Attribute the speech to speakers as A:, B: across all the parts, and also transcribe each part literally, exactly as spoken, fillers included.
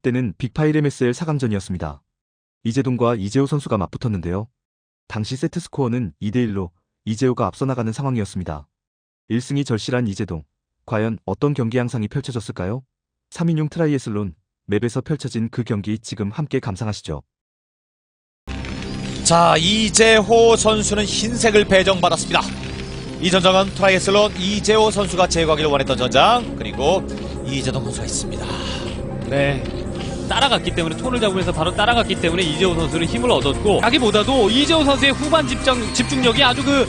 A: 때는 빅파일 엠에스엘 사 강전이었습니다. 이재동과 이재호 선수가 맞붙었는데요. 당시 세트스코어는 이 대 일로 이재호가 앞서 나가는 상황이었습니다. 일 승이 절실한 이재동. 과연 어떤 경기 양상이 펼쳐졌을까요? 삼 인용 트라이애슬론 맵에서 펼쳐진 그 경기 지금 함께 감상하시죠.
B: 자, 이재호 선수는 흰색을 배정받았습니다. 이 전장은 트라이애슬론 이재호 선수가 제거하기를 원했던 전장, 그리고 이재동 선수가 있습니다.
C: 네. 따라갔기 때문에 톤을 잡으면서 바로 따라갔기 때문에 이재호 선수는 힘을 얻었고, 자기보다도 이재호 선수의 후반 집중, 집중력이 아주 그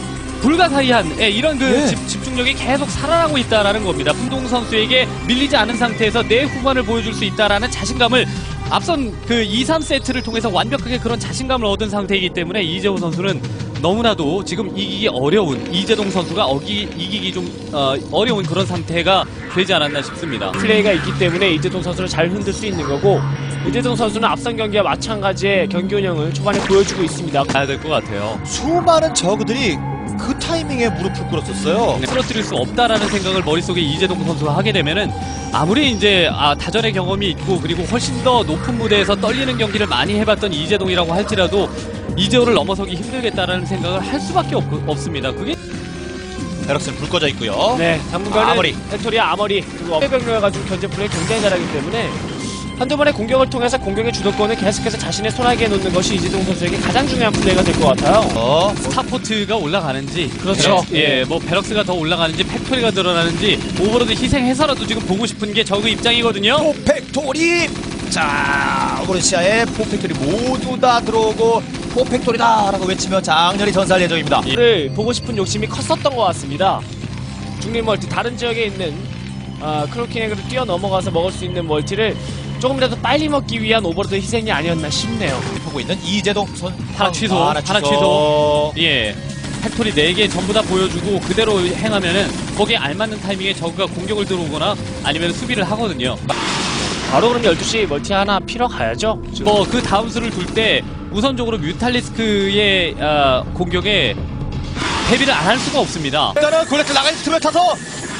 C: 불가사의한 예, 이런 그
B: 네.
C: 집, 집중력이 계속 살아나고 있다라는 겁니다. 훈동 선수에게 밀리지 않은 상태에서 내 후반을 보여줄 수 있다라는 자신감을 앞선 그 이, 삼 세트를 통해서 완벽하게 그런 자신감을 얻은 상태이기 때문에 이재호 선수는 너무나도 지금 이기기 어려운, 이재동 선수가 어기, 이기기 좀 어, 어려운 그런 상태가 되지 않았나 싶습니다.
D: 플레이가 있기 때문에 이재동 선수를 잘 흔들 수 있는 거고, 이재동 선수는 앞선 경기와 마찬가지의 경기 운영을 초반에 보여주고 있습니다.
C: 가야 될 것 같아요.
B: 수많은 저그들이 그 타이밍에 무릎을 꿇었었어요.
C: 쓰러뜨릴 수 없다라는 생각을 머릿속에 이재동 선수가 하게 되면은 아무리 이제 아, 다전의 경험이 있고 그리고 훨씬 더 높은 무대에서 떨리는 경기를 많이 해봤던 이재동이라고 할지라도 이재호를 넘어서기 힘들겠다라는 생각을 할 수밖에 없, 없습니다. 그게
B: 베럭스는 불 꺼져 있고요.
D: 네, 당분간은
B: 아머리.
D: 팩토리아 아머리 그리고 어깨병력해가지고 견제 플레이 굉장히 잘하기 때문에 한두 번의 공격을 통해서 공격의 주도권을 계속해서 자신의 손아귀에 놓는 것이 이재동 선수에게 가장 중요한 플레이가 될 것 같아요.
B: 어,
C: 스타포트가 올라가는지
D: 그렇죠.
C: 베럭스, 예, 뭐 베럭스가 더 올라가는지 팩토리가 늘어나는지 오버로드 희생해서라도 지금 보고 싶은 게 저그 입장이거든요.
B: 포팩토리! 자, 오그르시아의 포팩토리 모두 다 들어오고 포팩토리다! 라고 외치며 장렬히 전사할 예정입니다.
D: 를 보고 싶은 욕심이 컸었던 것 같습니다. 중립 멀티 다른 지역에 있는 아, 크로킹에게로 뛰어넘어가서 먹을 수 있는 멀티를 조금이라도 빨리 먹기 위한 오버로드 희생이 아니었나 싶네요.
B: 보고 있는 이재동 선
C: 하나 취소,
B: 아,
C: 하나 취소. 예. 팩토리 네 개 전부 다 보여주고 그대로 행하면은 거기에 알맞는 타이밍에 저그가 공격을 들어오거나 아니면 수비를 하거든요.
D: 바로 그럼 열두 시 멀티 하나 피러 가야죠.
C: 뭐 그 다음 수를 둘 때 우선적으로 뮤탈리스크의 어, 공격에 대비를 안 할 수가 없습니다.
B: 일단은 골레트 나가는 틈을 타서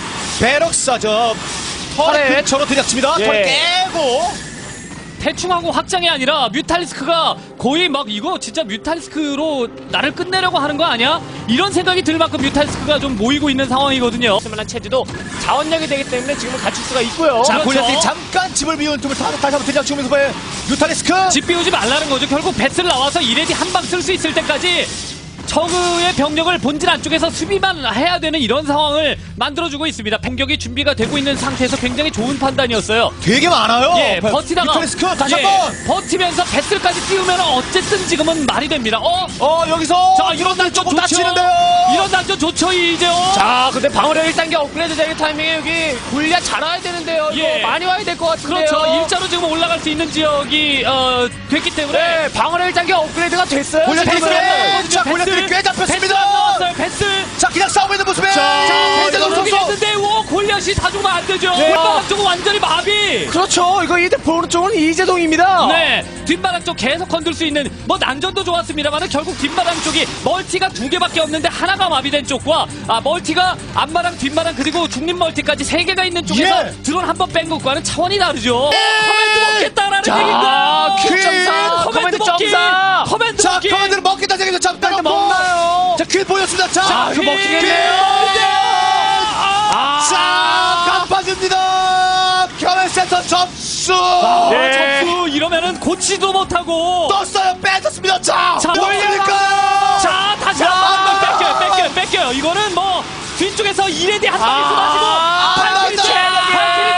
B: 베럭스가 저 털의
D: 털에.
B: 근처로 들이닥칩니다.
D: 예.
B: 털 깨고
C: 대충하고 확장이 아니라 뮤탈리스크가 거의 막 이거 진짜 뮤탈리스크로 나를 끝내려고 하는 거 아니야? 이런 생각이 들 만큼 뮤탈리스크가 좀 모이고 있는 상황이거든요.
D: 쓸만한 체제도 자원력이 되기 때문에 지금은 갖출 수가 있고요.
B: 자,
C: 그렇죠.
B: 골레트이 잠깐 집을 비운 틈을 타서 다시 한번 들이닥치면서 봐요. 유탈리스크!
C: 집 비우지 말라는 거죠. 결국 배슬 나와서 이레디 한 방 쓸 수 있을 때까지 저그의 병력을 본질 안쪽에서 수비만 해야 되는 이런 상황을 만들어주고 있습니다. 공격이 준비가 되고 있는 상태에서 굉장히 좋은 판단이었어요.
B: 되게 많아요.
C: 예, 버티다가
B: 유탈리스크 다시
C: 예,
B: 한번!
C: 버티면서 배슬까지 띄우면 어쨌든 지금은 말이 됩니다. 어?
B: 어, 여기서
C: 자, 이런 난전
B: 조금
C: 좋죠.
B: 다치는데요.
C: 이런 난전 좋죠, 이재호.
D: 자, 근데 방어력 일 단계 업그레이드 되는 타이밍에 여기 골리앗 잘 와야 되는데요.
C: 예.
D: 이거 많이 와야 될 것 같은데요.
C: 그렇죠. 일자로 지금 올라갈 수 있는 지역이 어, 됐기 때문에
D: 네, 방어력 일 단계 업그레이드가 됐어요.
B: 골레트
D: 지금은.
B: 있어요. 자,
C: 배슬,
B: 골레트이 꽤
C: 배슬
B: 잡혔습니다.
C: 안 나왔어요. 배슬.
B: 자, 그냥 싸우고 있는 모습에
C: 자,
B: 이재동
C: 배슬
B: 선수.
C: 했는데 오 골리앗이 다 죽으면 안 되죠.
D: 네.
C: 뒷바닥 쪽은 완전히 마비.
D: 그렇죠. 이거 이제 오른쪽은 이재동입니다.
C: 네, 뒷바닥 쪽 계속 건들 수 있는 뭐 난전도 좋았습니다만 결국 뒷바닥 쪽이 멀티가 두 개밖에 없는데 하나가 마비된 쪽과 아 멀티가 앞마당 뒷마당 그리고 중립 멀티까지 세 개가 있는 쪽에서
B: 예.
C: 드론 한 번 뺀 것과는 차원이 다르죠. 커맨드 먹겠다라는
D: 자,
C: 얘기인가?
D: 큐 점사, 커맨드
C: 먹기.
D: 점사.
C: 커맨드
B: 자,
C: 먹기.
B: 커맨드를 먹겠다 생각해서 잠깐
D: 커맨드 먹나요?
B: 자, 킬 보였습니다. 자,
C: 자,
D: 그
C: 킬.
D: 먹히겠네요.
C: 아,
B: 자, 깜빡입니다. 커맨드 센터 접수.
D: 네.
C: 점수 이러면은 고치도 못하고.
B: 떴어요. 뺏었습니다. 자,
C: 자,
B: 올립니까?
C: 자, 다시
B: 자,
C: 한번 뺏겨요, 뺏겨요, 뺏겨요. 이거는 뭐 뒤쪽에서 이레디 한 방에
D: 아,
C: 쏟아지고 발길인데,
B: 맞다.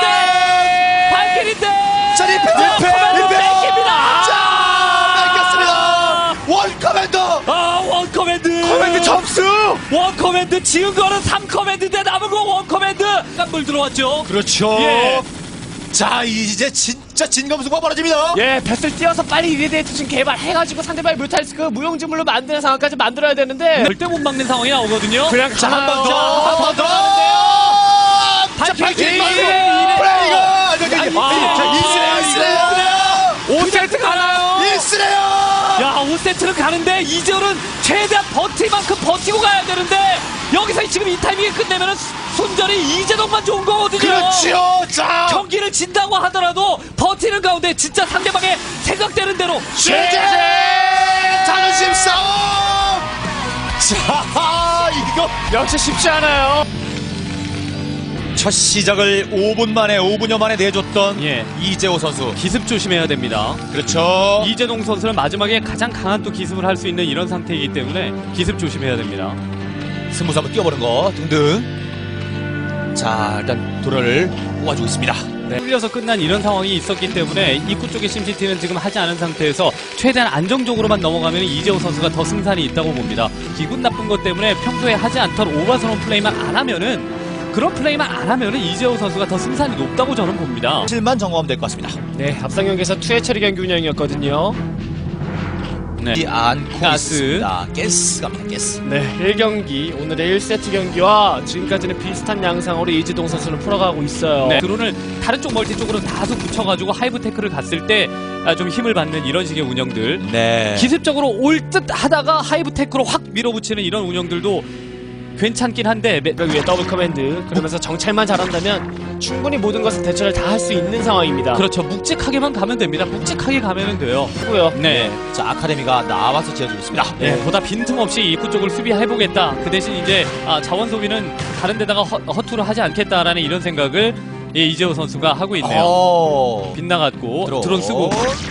C: 발길인데, 발길인데.
B: 자, 리페, 리페,
C: 커맨드
B: 리페.
C: 뺏깁니다.
B: 자, 뺏겼습니다. 원 커맨더.
C: 아, 원 커맨드.
B: 커맨드 접수.
C: 원 커맨드. 지금 거는 삼 커맨드인데 남은 거 원 커맨드. 깜물 들어왔죠.
B: 그렇죠.
C: 예.
B: 자, 이제 진짜 진검승부가 벌어집니다.
D: 예, 뱃을 띄어서 빨리 이레디에이터 지금 개발해가지고 상대방의 뮤탈리스크 무용지물로 만드는 상황까지 만들어야 되는데
C: 절대 못 막는 상황이 나오거든요.
D: 그냥
B: 자, 한 번
D: 자,
B: 더, 한 번 더. 자,
C: 발키리.
B: 발키리
C: 예,
B: 말고
C: 예, 예.
B: 플레이가.
C: 아,
B: 이스레요, 이스레요.
D: 오 세트 가나요?
B: 이스레요.
C: 야, 오 세트를 가는데 이재호는 최대한 버틸 만큼 버티고 가야 되는데 여기서 지금 이 타이밍에 끝내면은 손절이 이재동만 좋은 거거든요.
B: 그렇죠. 자,
C: 경기를 진다고 하더라도 버티는 가운데 진짜 상대방의 생각되는 대로
B: 최재 자존심 싸움. 자, 이거
D: 역시 쉽지 않아요.
B: 첫 시작을 오 분 만에 오 분여 만에 내줬던
C: 예.
B: 이재호 선수.
C: 기습 조심해야 됩니다.
B: 그렇죠.
C: 이재동 선수는 마지막에 가장 강한 또 기습을 할 수 있는 이런 상태이기 때문에 기습 조심해야 됩니다.
B: 승부수 한번 뛰어보는 거 등등. 자, 일단 도련을 뽑아주고 있습니다.
C: 네. 뚫려서 끝난 이런 상황이 있었기 때문에 입구 쪽의 심시티는 지금 하지 않은 상태에서 최대한 안정적으로만 넘어가면 이재호 선수가 더 승산이 있다고 봅니다. 기분 나쁜 것 때문에 평소에 하지 않던 오버스러운 플레이만 안 하면은 그런 플레이만 안 하면은 이재호 선수가 더 승산이 높다고 저는 봅니다.
B: 실만 점검하면 될 것 같습니다.
D: 네, 앞선 경기에서 투회 처리 경기 운영이었거든요.
C: 네.
B: 이 안고
C: 가스.
B: 있습니다. 가스 갑니다. 가스.
D: 네, 일 경기 오늘의 일 세트 경기와 지금까지는 비슷한 양상으로 이재동 선수는 풀어가고 있어요.
C: 네. 드론을 다른 쪽 멀티 쪽으로 다소 붙여가지고 하이브 테크를 갔을 때 좀 힘을 받는 이런 식의 운영들.
B: 네.
C: 기습적으로 올 듯 하다가 하이브 테크로 확 밀어붙이는 이런 운영들도 괜찮긴 한데 매-
D: 그 위에 더블 커맨드 그러면서 정찰만 잘한다면 충분히 모든 것을 대처를 다 할 수 있는 상황입니다.
C: 그렇죠. 묵직하게만 가면 됩니다. 묵직하게 가면은 돼요.
D: 그렇고요.
C: 네.
B: 자, 아카데미가 나와서 지어주고 있습니다.
C: 네, 보다 빈틈없이 입구 쪽을 수비해보겠다. 그 대신 이제 아, 자원 소비는 다른 데다가 허, 허투루 하지 않겠다라는 이런 생각을 예, 이재호 선수가 하고 있네요.
B: 오.
C: 빗나갔고 드론 쓰고.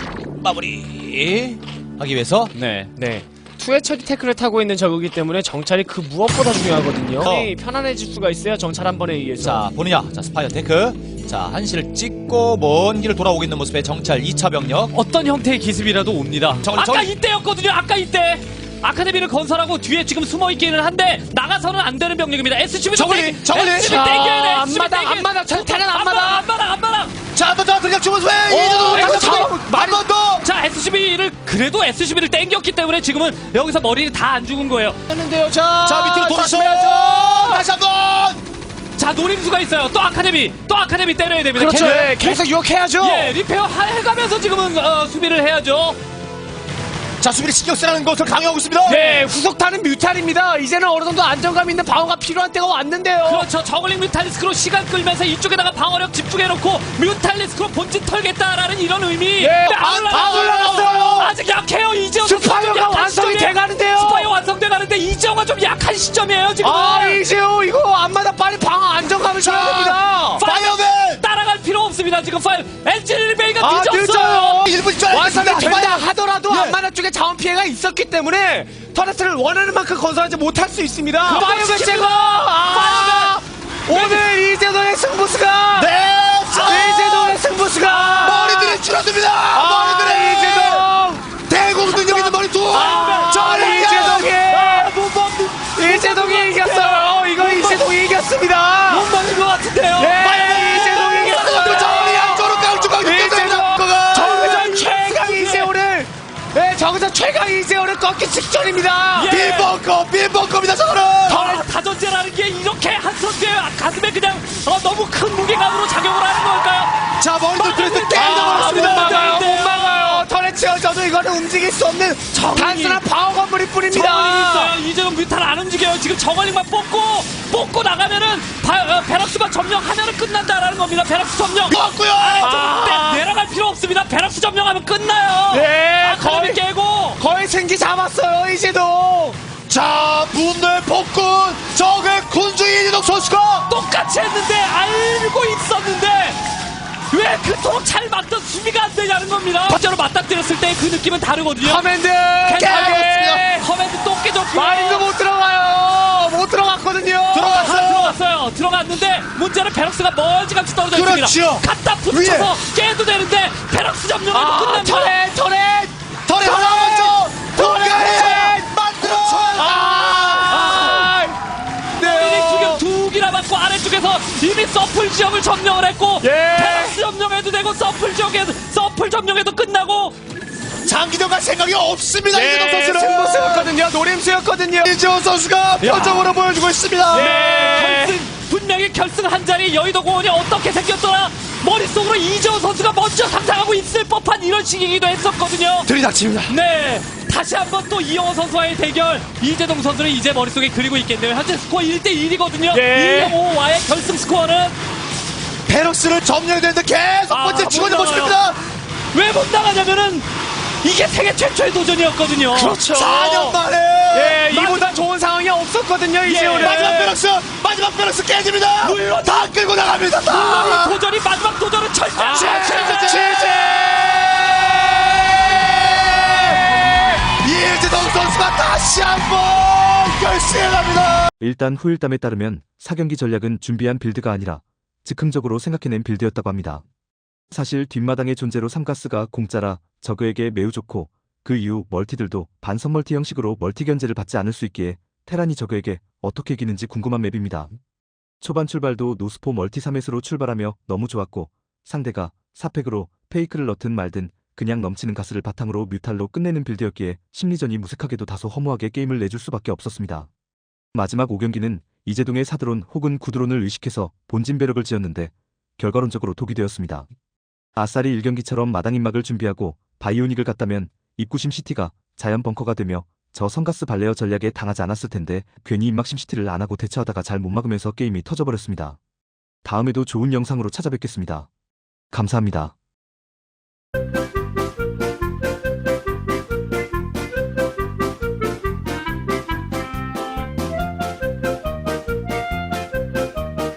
B: 마무리 하기 위해서
C: 네.
D: 네. 투회 처리 태클을 타고 있는 적이기 때문에 정찰이 그 무엇보다 중요하거든요.
B: 어.
D: 네, 편안해질 수가 있어요. 정찰 한 번에 의해서.
B: 자, 보느냐. 자, 스파이어 테크. 자, 한시를 찍고 먼 길을 돌아오고 있는 모습의 정찰 이 차 병력.
C: 어떤 형태의 기습이라도 옵니다.
B: 저걸,
C: 아까
B: 저걸-
C: 이때였거든요. 아까 이때. 아카데미를 건설하고 뒤에 지금 숨어 있기는 한데 나가서는 안 되는 병력입니다. 에스씨비도
B: 저걸리, 저걸리.
C: 에스씨비
D: 자,
C: 땡겨야 돼. 에스씨비
D: 앞마당,
C: 땡겨야 돼.
D: 앞마당, 저 테란 앞마당.
C: 앞마당, 앞마당, 앞마당.
B: 자, 한 번 더 그냥 주문 왜
D: 오,
B: 이제도
D: 이거
B: 한번 더.
C: 자, 에스씨비를 그래도 에스씨비를 땡겼기 때문에 지금은 여기서 머리를 다 안 죽은 거예요.
D: 했는데요. 자,
B: 자, 밑으로 돌아서
D: 조심해야죠.
B: 다시 한 번.
C: 자, 노림수가 있어요. 또 아카데미, 또 아카데미 때려야 됩니다.
D: 그렇죠.
C: 계속-
D: 네, 계속 유혹해야죠.
C: 예, 리페어 하- 해가면서 지금은 어, 수비를 해야죠.
B: 자, 수비를 신경 쓰라는 것을 강요하고 있습니다.
D: 네, 후속타는 뮤탈입니다. 이제는 어느 정도 안정감 있는 방어가 필요한 때가 왔는데요.
C: 그렇죠. 저글링 뮤탈리스크로 시간 끌면서 이쪽에다가 방어력 집중해놓고 뮤탈리스크로 본진 털겠다라는 이런 의미.
D: 예,
C: 근데
D: 안-
C: 올라가요.
D: 안 올라갔어요.
C: 아직 약해요. 이재호 선수
D: 스파이어가
C: 좀 약한
D: 완성이
C: 시점이에요.
D: 돼가는데요.
C: 스파이어 완성돼가는데 이재호가 좀 약한 시점이에요. 지금.
D: 아, 이제요. 이거 앞마당 빨리 방어 안정감을 줘야 됩니다.
B: 파이어맨.
C: 따라갈 필요 없습니다. 지금 파이어 엔지니어링 베이가
D: 아,
C: 늦었어요.
D: 늦어요.
B: 일 분 줄
D: 완성이
B: 알겠습니다.
D: 된다 하더라도
B: 예.
D: 앞마당 쪽에 자원 피해가 있었기 때문에 터렛을 원하는 만큼 건설하지 못할 수 있습니다. 파이어
C: 지금-
D: 배치가 아, 오늘 이재동의 승부수가
B: 네. 자,
D: 이재동의 승부수가
B: 머리들이 줄어듭니다.
D: 아,
B: 머리들이.
D: 이재동
B: 대공 능력 있는 머리 두.
D: 아,
B: 저
D: 이재동이 이재동이 이겼어요. 이거 이재동이 이겼습니다.
C: 못 맞는 것 같은데요.
D: 네, 이재동이 이겼어요.
B: 저리 양쪽으로 깡쭉깡쭉
D: 이재동
B: 뜯어내는
D: 정의전 최강 이재호를 네, 정의전 최강 이재호를 꺾기 직전입니다.
C: 예.
B: 빈벙커 빈벙커입니다 저거는.
C: 더 다전제라는 게 이렇게 한 선수의 가슴에 그냥 어, 너무 큰 무게감으로 작용을 하는 걸까요?
B: 자 머리들 그래서
C: 아,
D: 못
B: 깨져버렸습니다.
D: 막아요, 못 막아요. 털에 치어져도 이거는 움직일 수 없는
C: 정이-
D: 단순한 방어 건물일
C: 저글링
D: 뿐입니다.
C: 있어요. 이제는 뮤탈 안 움직여요. 지금 저글링만 뽑고 뽑고 나가면은 바, 어, 베럭스만 점령하면은 끝난다라는 겁니다. 베럭스 점령.
B: 맞고요.
C: 아래쪽
D: 아.
C: 내, 내려갈 필요 없습니다. 베럭스 점령하면 끝나요.
D: 네,
C: 아카데미
D: 거의
C: 깨고.
D: 거의 생기 잡았어요 이재동.
B: 자 분노의 폭군 적의 군주의 이재동 선수가
C: 똑같이 했는데 알고 있었는데 왜 그토록 잘 막던 수비가 안 되냐는 겁니다. 실제로 맞닥뜨렸을 때 그 느낌은 다르거든요.
D: 커맨드
C: 깨! 커맨드 또 깨졌고요.
D: 마린도 못 들어가요. 못 들어갔거든요.
C: 아,
B: 들어갔어요.
C: 들어갔어요. 들어갔는데 문제는 베럭스가 멀찌감치 떨어져
B: 그렇죠.
C: 있습니다. 갖다 붙여서 깨도 되는데 베럭스 점령해도
D: 아,
C: 끝납니다.
D: 터렛 터렛
B: 털이 하나 먼저 동가에 만들어.
D: 아,
C: 이 두개 두 개나 맞고 아래쪽에서 이미 서플 지역을 점령을 했고
D: 예.
C: 베럭스 점령해도 되고 서플 지역에 서플 점령해도 끝나고
B: 장기전 갈 생각이 없습니다 이재동
D: 네,
B: 선수는.
D: 승부수였거든요. 노림수였거든요.
B: 이재동 선수가 표정으로 보여주고 있습니다.
D: 네.
C: 결승 분명히 결승 한 자리 여의도 공원이 어떻게 생겼더라 머릿속으로 이재호 선수가 먼저 상상하고 있을 법한 이런 시기이기도 했었거든요.
B: 들이닥칩니다.
C: 네 다시 한번 또 이영호 선수와의 대결. 이재동 선수는 이제 머릿속에 그리고 있겠네요. 현재 스코어 일 대 일이거든요.
D: 네.
C: 이영호와의 결승 스코어는
B: 베럭스를 점령해야 되는데 계속
C: 아,
B: 번째
C: 못
B: 치고는
C: 나가요.
B: 모습입니다.
C: 왜 못 나가냐면은 이게 세계 최초의 도전이었거든요.
D: 그렇죠.
B: 사 년 만에
D: 예, 이보다 좋은 상황이 없었거든요, 이재호는.
B: 마지막 베럭스 마지막 베럭스 깨집니다.
C: 물론
B: 다 끌고 나갑니다.
C: 물론
B: 다.
C: 이 도전이 마지막 도전은 철저.
D: 아,
B: 최재 이재동 선수가 다시 한번 결승에 갑니다.
A: 일단 후일담에 따르면 사 경기 전략은 준비한 빌드가 아니라 즉흥적으로 생각해낸 빌드였다고 합니다. 사실 뒷마당의 존재로 삼가스가 공짜라 저그에게 매우 좋고 그 이후 멀티들도 반선 멀티 형식으로 멀티 견제를 받지 않을 수 있기에 테란이 저그에게 어떻게 이기는지 궁금한 맵입니다. 초반 출발도 노스포 멀티 삼 횟으로 출발하며 너무 좋았고 상대가 사 팩으로 페이크를 넣든 말든 그냥 넘치는 가스를 바탕으로 뮤탈로 끝내는 빌드였기에 심리전이 무색하게도 다소 허무하게 게임을 내줄 수밖에 없었습니다. 마지막 오 경기는 이재동의 사드론 혹은 구드론을 의식해서 본진 배럭을 지었는데 결과론적으로 독이 되었습니다. 아싸리 일 경기처럼 마당 입막을 준비하고 바이오닉을 갔다면 입구심 시티가 자연 벙커가 되며 저 성가스 발레어 전략에 당하지 않았을 텐데 괜히 입막심 시티를 안 하고 대처하다가 잘 못 막으면서 게임이 터져버렸습니다. 다음에도 좋은 영상으로 찾아뵙겠습니다. 감사합니다.